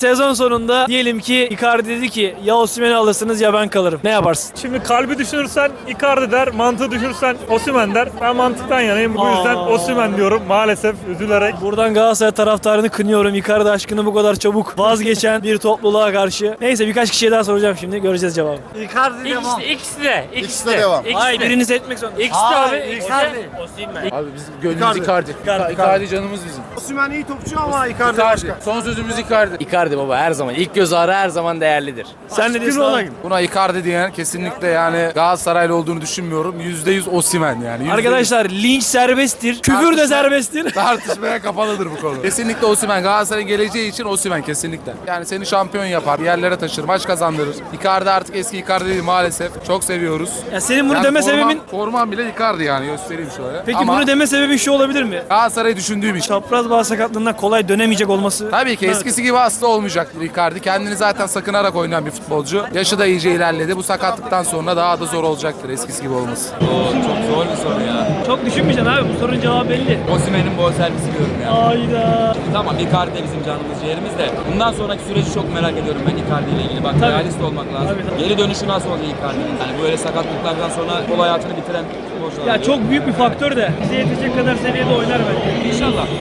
Sezon sonunda diyelim ki Icardi dedi ki ya Osimhen'i alırsınız ya ben kalırım. Ne yaparsın? Şimdi kalbi düşünürsen Icardi der, mantığı düşünürsen Osimhen der. Ben mantıktan yanayım. Bu yüzden Osimhen diyorum maalesef üzülerek. Buradan Galatasaray taraftarını kınıyorum. Icardi aşkını bu kadar çabuk vazgeçen bir topluluğa karşı. Neyse birkaç kişiye daha soracağım şimdi. Göreceğiz cevabı. Icardi devam. İkisi de. İkisi de devam. Hayır birini seçmek zorunda. İkisi de abi. Icardi. Abi bizim gönlümüz Icardi. Icardi canımız bizim. Osimhen iyi topçu ama Icardi Icardi. Son sözümüz Icardi. Icardi baba her zaman. İlk göz ağrı her zaman değerlidir. Sen ne diyorsun abi? Buna Icardi diyen kesinlikle yani Galatasaraylı olduğunu düşünmüyorum. %100 Osimhen yani. %100 Arkadaşlar linç serbesttir. Küfür de serbesttir. tartışmaya kapalıdır bu konu. Kesinlikle Osimhen. Galatasaray'ın geleceği için Osimhen kesinlikle. Yani seni şampiyon yapar, bir yerlere taşır, maç kazandırır. Icardi artık eski Icardi değil maalesef. Çok seviyoruz. Ya senin bunu Yani deme sebebin... Forman bile Icardi yani göstereyim şöyle. Peki Ama bunu deme sebebin şu olabilir mi? Galatasaray'ı düşündüğüm için. Çapraz bağ sakatlığından kolay dönemeyecek olması. Tabii ki eskisi gibi asla olmayacaktır Icardi. Kendini zaten sakınarak oynayan bir futbolcu. Yaşı da iyice ilerledi. Bu sakatlıktan sonra daha da zor olacaktır eskisi gibi olması. Çok zor bir soru ya. Çok düşünmeyeceksin abi. Bu sorunun cevabı belli. Osimhen'in bonservisi diyorum ya. Hayda. Tamam Icardi de bizim canımız ciğerimiz de. Bundan sonraki süreci çok merak ediyorum ben Icardi ile ilgili. Bak Tabii. realist olmak lazım. Tabii. Geri dönüşü nasıl olacak Icardi'nin? Yani böyle sakatlıklardan sonra futbol hayatını bitiren futbolcular. Ya çok büyük bir faktör de bize yetecek kadar seviyede oynar bence. İnşallah.